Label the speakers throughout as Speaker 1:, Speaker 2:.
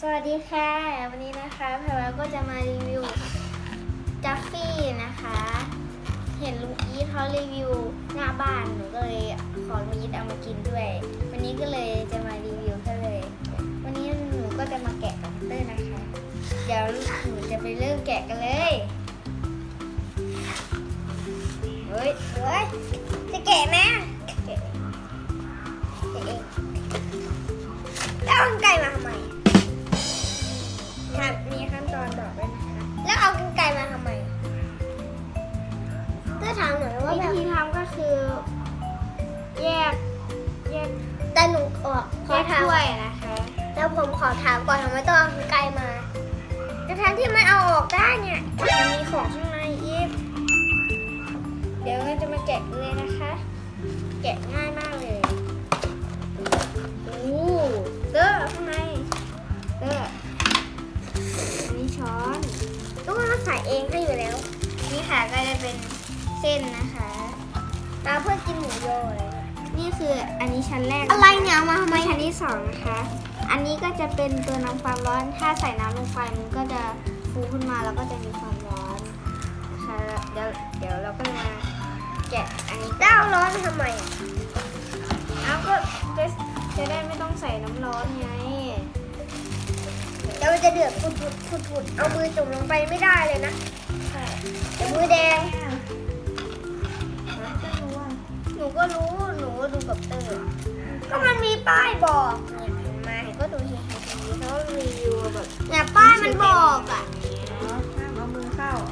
Speaker 1: สวัสดีค่ะวันนี้นะคะแพรวาก็จะมารีวิวจัฟฟี่นะคะ เห็นลุงอีทเขารีวิวหน้าบ้านหนูก็เลยขอลุงอีทเอามากินด้วยวันนี้ก็เลยจะมารีวิวเขาเลยวันนี้หนูก็จะมาแกะกับเตอร์นะคะ เดี๋ยวหนูจะไปเริ่มแกะกันเลยเฮ้ยจะแกะไหมแกะเองแล้วเอากรรไกรมาทำไมมีขั้นตอนบอกด้วยนะคะแล้วเอากรรไกรมาทำไมก็ถามหน่อยว่าวิธีทำก็คือแยกแต่หนูขอถ้วยนะคะแล้วผมขอถามก่อนทำไมต้องเอากรรไกรมาแต่ทั้งที่มันเอาออกได้เนี่ยมันมีของข้างในอีกเดี๋ยวเราจะมาแกะเลยนะคะ แกะง่ายมากเลยเด้อข้างในเด้ออันนี้ช้อนต้องมาใส่เองให้อยู่แล้วนี่ค่ะก็จะเป็นเส้นนะคะตาเพื่อกินหมูโยเลยนี่คืออันนี้ชั้นแรกอะไรเนี่ยมาทำไมชั้นที่สองนะคะอันนี้ก็จะเป็นตัวนำความร้อนถ้าใส่น้ำลงไปมันก็จะฟูขึ้นมาแล้วก็จะมีความร้อนนะคะเดี๋ยวเราก็มาแกะอันนี้เต้าร้อนทำไมเอาก็จะได้ไม่ต้องใส่น้ำร้อนไงแล้วมันจะเดือดฟุดเอามือจุ่มลงไปไม่ได้เลยนะมือแดงหนูก็รู้หนูก็ดูกับเตอร์ก็มันมีป้ายบอกเนี่ยเห็นไหมก็ดูทีเขารีวิวแบบเนี่ยป้ายมันบอกอ่ะห้ามเอามือเข้า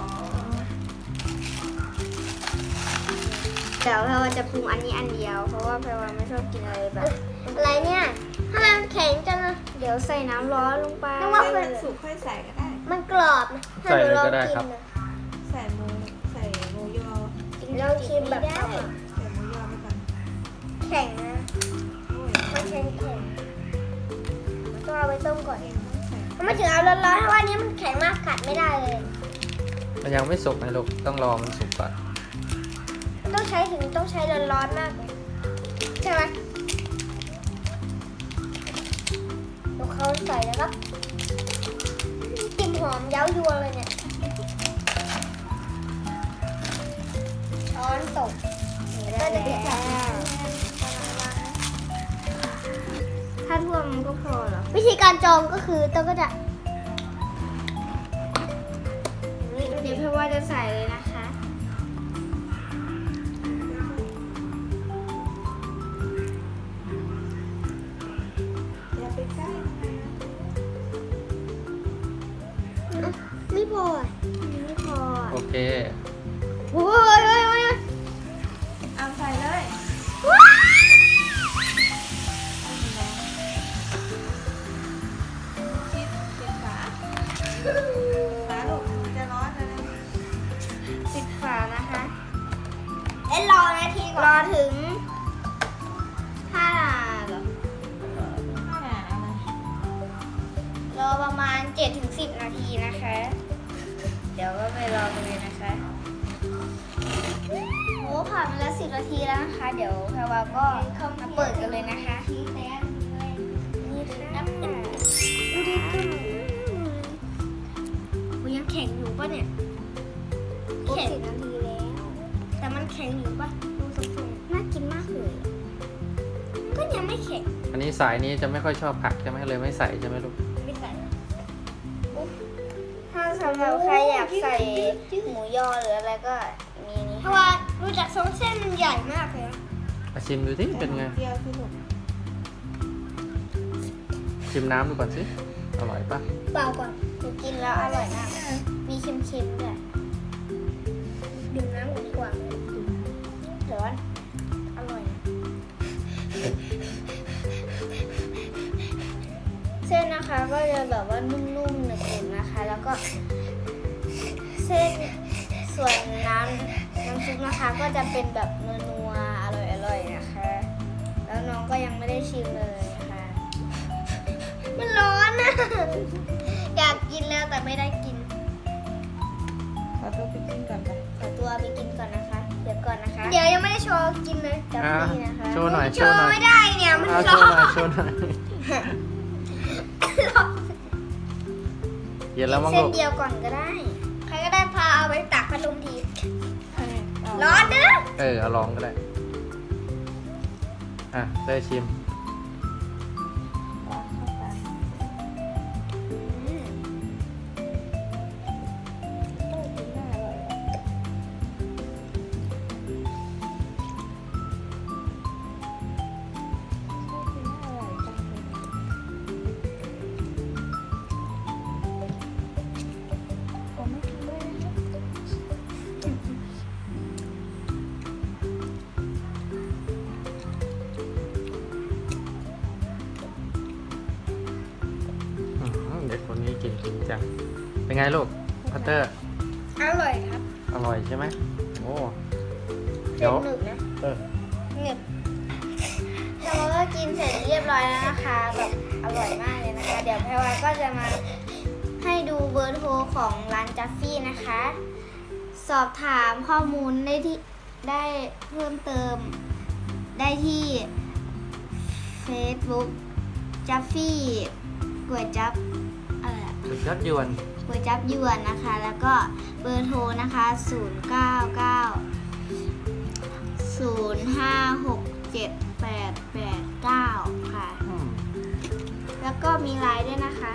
Speaker 1: เดี๋ยวแพรวาจะปรุงอันนี้อันเดียวเพราะว่าแพรวาไม่ชอบกินอะไรแบบอะไรเนี่ยถ้ามันแข็งจังนะเดี๋ยวใส่น้ำร้อนลงไปนึกว่ามัน
Speaker 2: สุกค่อยใส่ก็ได้
Speaker 1: มันกรอบนะถ้าหนูลองกินนะ
Speaker 2: ใส่หมูยอ
Speaker 1: ลองชิมแบบได้
Speaker 2: ใส่หมูยอไปก่อน
Speaker 1: แข็งนะมันแข็งต้องเอาไปต้มก่อนมันไม่ถึงเอาร้อนๆเพราะว่านี้มันแข็งมากกัดไม่ได้เลย
Speaker 3: มันยังไม่สุกนะลูกต้องรอมันสุกก่อน
Speaker 1: ต้องใช้ร้อนๆมากเลยใช่ไหมแล้วเขาใส่แล้วครับกลิ่นหอมเย้ายวนเลยเนี่ยช้อนตกก็จะเป็นถ้าท่วมก็พอเหรอวิธีการจองก็คือต้องก็จะเดี๋ยวพี่ว่าจะใส่เลยนะคะไม่พอ
Speaker 3: โอเค
Speaker 1: โอ้ย
Speaker 2: เอาใส่เลย ปิดฝาลูกมันจะร้อนนะ
Speaker 1: ปิดฝานะคะรอนาทีก่อนรอถึง5 เหรอรอประมาณ 7-10 นาทีนะคะ เดี๋ยวก็ไปรอกันเลยนะคะโอ้ผ่านมาแล้ว10 นาทีแล้วนะคะเดี๋ยวแพรวาก็มาเปิดกันเลยนะคะนี่ค่ะดูดิคุณมันยังแข็งอยู่ป่ะเนี่ยแข็ง10 นาทีแล้วแต่มันแข็งอยู่ป่ะดูสดๆน่ากินมากเลยก็ยังไม่แข็ง
Speaker 3: อันนี้สายนี้จะไม่ค่อยชอบผักใช่ไหมเลยไม่ใส่ใช่ไหมลูก
Speaker 1: ไม่ใส่ถ้าสำหรับใครอยากใส่หมูยอหรืออะไรก็มีนี้เพราะว่าดูจากทรงเส้นมันใหญ่มากเลย
Speaker 3: มาชิมดูสิเป็นไง
Speaker 2: เดียวสิลูก
Speaker 3: ชิมน้ำดูก่อนสิอร่อยปะ
Speaker 1: เปล่าก่อนกินแล้วอร่อยมากมีเค็มๆด้วยดื่มน้ำกันดีกว่าร้อนอร่อยเส้นนะคะก็จะแบบว่านุ่มๆหนึบๆนะคะแล้วก็เส้นส่วนน้ำซุปนะคะก็จะเป็นแบบนัวๆอร่อยๆนะคะแล้วน้องก็ยังไม่ได้ชิมเลยนะคะมันร้อนนะอยากกินแล้วแต่ไม่ได้กิน
Speaker 2: ขอตัวไปกินก่อนไป
Speaker 1: ขอตัวไปกินก่อนนะคะเดี๋ยวก่อนนะคะเดี๋ยวยังไม่ได้โชว์กินเลยจับนี่นะคะ
Speaker 3: โชว์หน่อย
Speaker 1: โชว์ไม่ได้เนี่ยมันร้อน
Speaker 3: โชว์หน่อยเย็นแล้วมั้ง
Speaker 1: เส้
Speaker 3: ลู
Speaker 1: น
Speaker 3: ก
Speaker 1: เดียวก่อนก็ได้ ใครก็ได้พาเอาไปตักพัดลมที
Speaker 2: เอา
Speaker 1: ร้อนเด้อ
Speaker 3: เอาลองก็ได้ อ่ะได้ชิม
Speaker 2: เอาเข้าไป
Speaker 1: อืม
Speaker 2: กินน่าอร่อยอ่ะกินน่าอร่อยจังเลยผมไม่กินด้วยนะคะ
Speaker 3: เด็กคนนี้กินจริงจัง เป็นไงลูกพัตเตอร์
Speaker 1: อร่อยครับ
Speaker 3: อร่อยใช่ไหมโอ้
Speaker 1: เส้
Speaker 3: เดี๋ย
Speaker 1: น
Speaker 3: ว
Speaker 1: หนึบนะ
Speaker 3: เออ
Speaker 1: หนึบแต่ว่าก็กินเสร็จเรียบร้อยแล้วนะคะ แบบอร่อยมากเลยนะคะ เดี๋ยวแพรวาก็จะมาให้ดูเบอร์โทรของร้านจัฟฟี่นะคะ สอบถามข้อมูลได้เพิ่มเติมได้ที่ Facebook จัฟฟี่ก๋วยจับอะไรอะ
Speaker 3: สุดยอดยวน
Speaker 1: ก๋วยจับยวนนะคะ แล้วก็เบอร์โทรนะคะ 099 0567889 ค่ะ
Speaker 3: อืม
Speaker 1: แล้วก็มีไลน์ด้วยนะคะ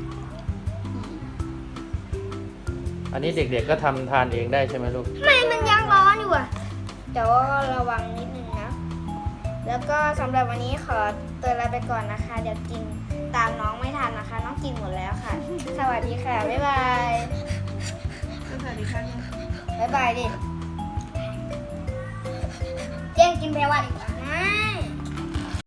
Speaker 3: อันนี้เด็กๆก็ทำทานเองได้ใช่ไหมลูก
Speaker 1: ทำไมมันยังร้อนอยู่อะแต่ว่าระวังนิดนึงนะ แล้วก็สำหรับวันนี้ขอตัวลาไปก่อนนะคะ เดี๋ยวกินตามน้องไม่ทันนะคะ น้องกินหมดแล้วค่ะ สวัสดีค่ะ บ๊ายบาย
Speaker 2: สวัสดีครับ
Speaker 1: บ๊ายบายดิเจ๊งกินแพรวาดีกว่า